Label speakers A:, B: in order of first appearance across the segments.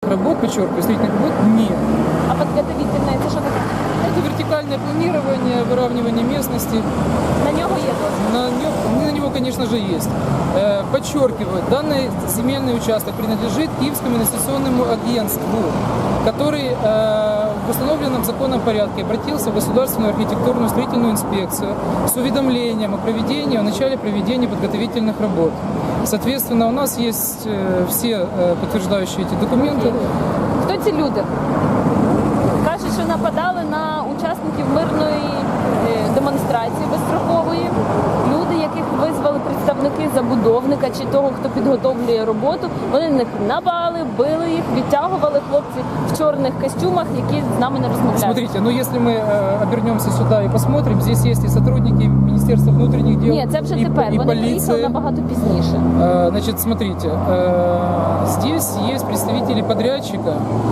A: работ, подчеркиваю, строительных работ нет.
B: А підготовительне це що таке?
A: Это вертикальное планирование, выравнивание местности.
B: На нього є дозвіл?
A: На него, конечно же, есть. Подчеркиваю, данный земельный участок принадлежит Киевскому инвестиционному агентству, который в установленном законном порядке обратился в Государственную архитектурную строительную инспекцию с уведомлением о проведении, о начале проведения подготовительных работ. Соответственно, у нас есть все подтверждающие эти документы.
B: Хто ці люди? Кажуть, що нападали на учасників мирної демонстрації безстрокової. Люди, яких визвали представники забудовника чи того, хто підготовлює роботу, вони на них напали, били їх, відтягували хлопці в чорних костюмах, які з нами не розмовляють.
A: Смотрите, ну если мы обернемся сюда и посмотрим, здесь есть и сотрудники Министерства внутренних дел,
B: Ні, це вже тепер.
A: и
B: Вони приїхали
A: полиция.
B: набагато пізніше.
A: Значит, смотрите, здесь есть представители подрядчика,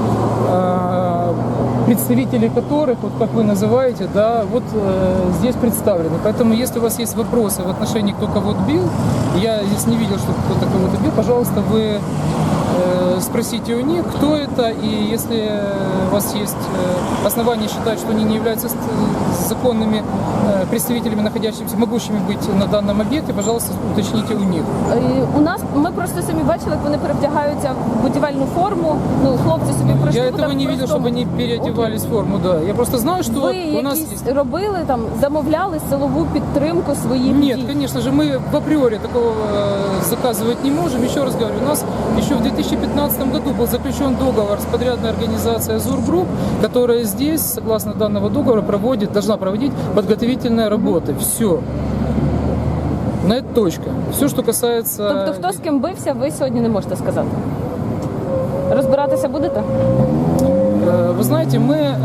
A: представители которых, вот как вы называете, да, вот здесь представлены. Поэтому, если у вас есть вопросы в отношении, кто кого бил, я здесь не видел, что кто-то кого-то бил, пожалуйста, вы спросите у них, кто это, и если у вас есть основания считать, что они не являются законными представителями, находящимися, могущими быть на данном объекте, пожалуйста, уточните у них.
B: У нас, ми просто самі бачили, як вони перевдягаються в будівельну форму, ну, хлопці собі пройшли.
A: Я этого не видел, чтобы они переодевались в форму, да. Я просто знаю, что
B: Ви
A: у нас
B: якісь
A: есть...
B: робили, там, замовляли силову підтримку своїх
A: Нет,
B: дій?
A: конечно же, мы в априори такого заказывать не можем. Еще раз говорю, у нас еще в 2015 году был заключен договор с подрядной организацией «Азур Групп», которая здесь, согласно данного договора, должна проводить подготовительные работы. Все. На это точка. Все, что касается...
B: Тобто, хто з ким бився, ви сьогодні не можете сказати? Розбиратися будете?
A: Вы знаете,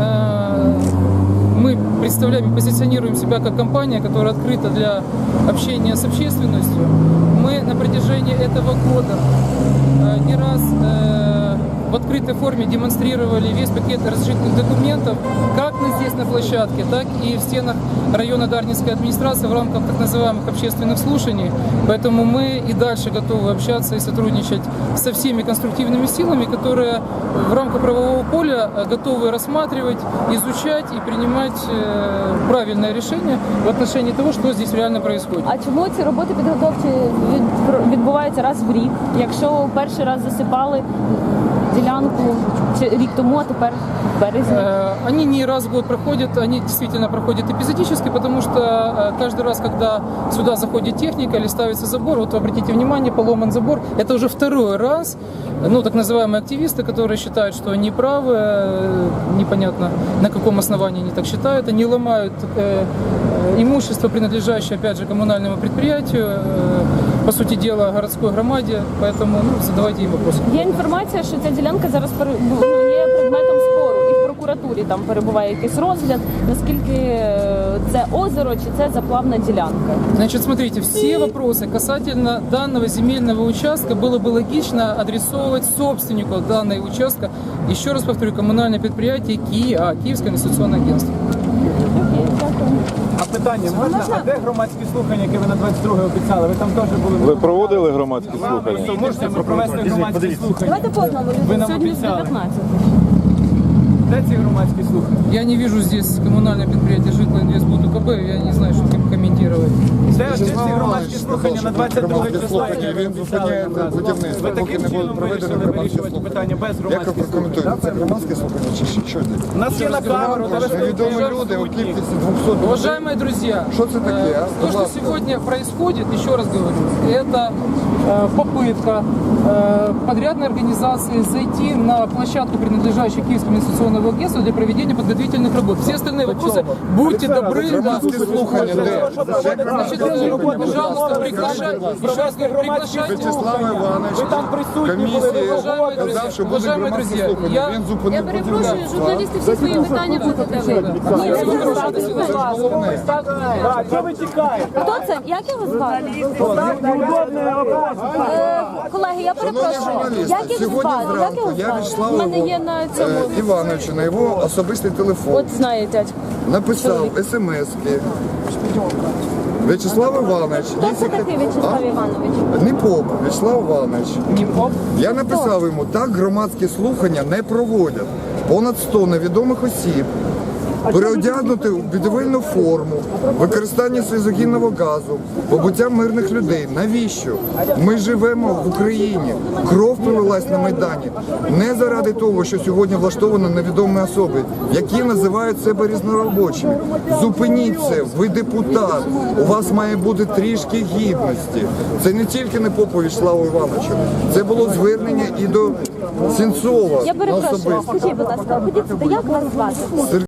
A: мы представляем и позиционируем себя как компания, которая открыта для общения с общественностью. Мы на протяжении этого года не раз в открытой форме демонстрировали весь пакет разрешительных документов, как здесь на площадке, так и в стенах района Дарницкой администрации в рамках так называемых общественных слушаний. Поэтому мы и дальше готовы общаться и сотрудничать со всеми конструктивными силами, которые в рамках правового поля готовы рассматривать, изучать и принимать правильное решение в отношении того, что здесь реально происходит.
B: А чому ці роботи підготовчі відбуваються раз в рік? Якщо перший раз засипали ділянку рік тому, а тепер в березні?
A: Они не раз в год проходят, они действительно проходят эпизодически, потому что каждый раз, когда сюда заходит техника или ставится забор, вот обратите внимание, поломан забор, это уже второй раз, ну, так называемые активисты, которые считают, что они правы, непонятно на каком основании они так считают, они ломают имущество, принадлежащее, опять же, коммунальному предприятию, по сути дела, городской громаде, поэтому задавайте им вопросы.
B: Є інформація, що ця ділянка зараз є предметом спору, і в прокуратурі там перебуває якийсь розгляд, наскільки це озеро чи це заплавна ділянка.
A: Значит, смотрите, все вопросы касательно данного земельного участка было бы логично адресовывать собственнику данного участка. Еще раз повторю, коммунальное предприятие Киевское инвестиционное агентство.
C: А питання можна? А де громадські слухання, які ви на 22-ге обіцяли? Ви там теж були.
D: Ви проводили громадські слухання?
C: То можете провести громадські слухання?
B: Давайте по одному.
C: Ви нам
B: Сьогодні з
C: обіцяли.
B: 19.
C: Де ці громадські слухання?
A: Я не вижу здесь коммунальное предприятие Житлоинвестбуд УКБ, я не знаю, что комментировать.
C: Де ці громадські слухання на 22 числа?
D: Він зупиняє будівництво,
C: Ви
D: поки
C: таким
D: не будуть
C: чином
D: проведені
C: вирішили
D: громадські
C: вирішувати
D: слухання.
C: питання без
D: Як ви
C: громадських слухань?
D: прокоментуєте? Це громадські слухання чи що це?
C: У нас є на камеру, де ви
D: Невідомі люди у кількості 200 людей.
A: Уважаемые друзья,
D: Что это такие, а?
A: то, что
D: Пожалуйста.
A: сегодня происходит, еще раз говорю, это попытка подрядной организации зайти на площадку, принадлежащую Киевскому инвестиционному агентству, для проведения подготовительных работ. Все остальные вопросы, будьте добры, да.
D: Громадські слухання де?
A: Значит, пожалуйста, приглашайте.
D: Вячеслав Іванович,
C: Ви там присутні були,
D: комісії
C: ви говорите.
D: казав, що будуть
A: Уважаемые
D: громадські
A: друзья,
D: слухання. Він зупинив
E: Я перепрошую,
D: будівництво.
E: журналісти всі свої питання будете вийти.
C: Так, що ви тікаєте?
B: Хто це? Як його звати? Колеги, я перепрошую.
D: журналісти,
B: Як їх
D: сьогодні
B: звати? Як
D: зранку
B: їх
D: я
B: звати?
D: відслав
B: У мене
D: його,
B: є на цьому.
D: Івановичу на його особистий телефон.
B: От знає дядько.
D: Написав
B: чоловік.
D: смс-ки. В'ячеслав Іванович.
B: Хто це такий В'ячеслав Іванович?
D: Не поп, В'ячеслав Іванович.
A: Не поп.
D: Я написав йому, так громадські слухання не проводять. Понад 100 невідомих осіб переодягнути у будівельну форму, використання сльозогінного газу, побуття мирних людей. Навіщо? Ми живемо в Україні. Кров пролилась на Майдані. Не заради того, що сьогодні влаштовано невідомі особи, які називають себе різноробочими. Зупиніться, ви депутат. У вас має бути трішки гідності. Це не тільки не Попу В'ячеславу Івановичу. Це було звернення і до Сенцова
B: Я
D: на
B: перепрошую.
D: особисто.
B: Скажіть, будь ласка, ходіть сюди, як вас звати?